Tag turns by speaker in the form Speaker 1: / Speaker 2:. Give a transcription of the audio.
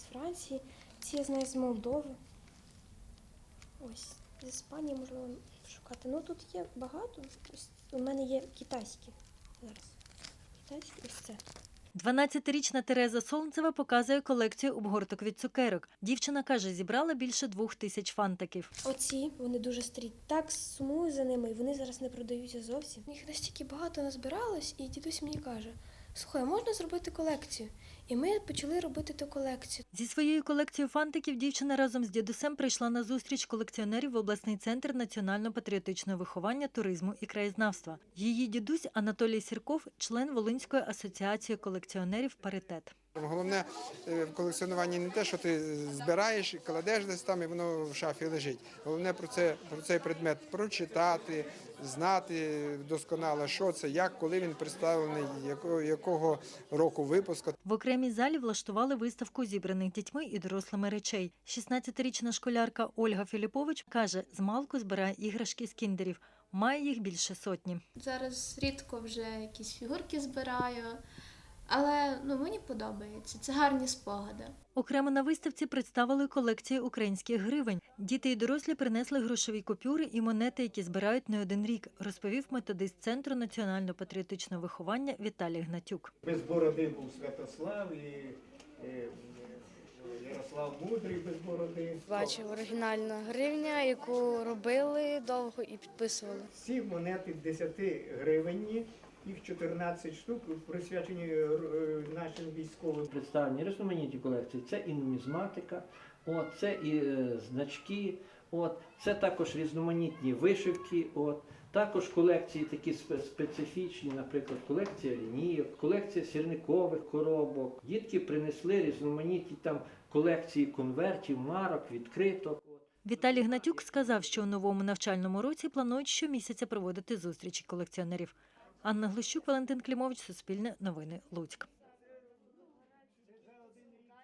Speaker 1: Франції, ці я знаю з Молдови. Ось, з Іспанії можливо шукати. Ну тут є багато. Ось у мене є китайські зараз. Китайські ось це.
Speaker 2: 12-річна Тереза Солнцева показує колекцію обгорток від цукерок. Дівчина каже, зібрала більше 2000 фантиків.
Speaker 1: Оці, вони дуже старі. Так сумую за ними, і вони зараз не продаються зовсім. Їх настільки багато назбиралось, і дідусь мені каже, слухай, можна зробити колекцію? І ми почали робити ту колекцію.
Speaker 2: Зі своєю колекцією фантиків дівчина разом з дідусем прийшла на зустріч колекціонерів в обласний центр національно-патріотичного виховання, туризму і краєзнавства. Її дідусь Анатолій Сірков – член Волинської асоціації колекціонерів «Паритет».
Speaker 3: Головне в колекціонуванні не те, що ти збираєш, кладеш десь там і воно в шафі лежить. Головне про цей предмет прочитати, знати досконало, що це, як, коли він представлений, якого року випуску.
Speaker 2: В окремій залі влаштували виставку зібраних дітьми і дорослими речей. 16-річна школярка Ольга Філіпович каже, змалку збирає іграшки з кіндерів. Має їх більше сотні.
Speaker 4: Зараз рідко вже якісь фігурки збираю, але мені подобається. Це гарні спогади.
Speaker 2: Окремо на виставці представили колекції українських гривень. Діти і дорослі принесли грошові купюри і монети, які збирають не один рік, розповів методист Центру національно-патріотичного виховання Віталій Гнатюк.
Speaker 5: Без бороди був Святослав і Ярослав Мудрий без бороди.
Speaker 6: Бачив оригінальна гривня, яку робили довго і підписували.
Speaker 5: Всі монети 10 гривенні, їх 14 штук, присвячені нашим військовим.
Speaker 7: Представлені різноманітні колекції. Це і нумізматика, це і значки, це також різноманітні вишивки, також колекції такі специфічні, наприклад, колекція лінійок, колекція сірникових коробок. Дітки принесли різноманітні там колекції конвертів, марок, відкриток.
Speaker 2: Віталій Гнатюк сказав, що у новому навчальному році планують щомісяця проводити зустрічі колекціонерів. Анна Глущук, Валентин Клімович, Суспільне новини, Луцьк.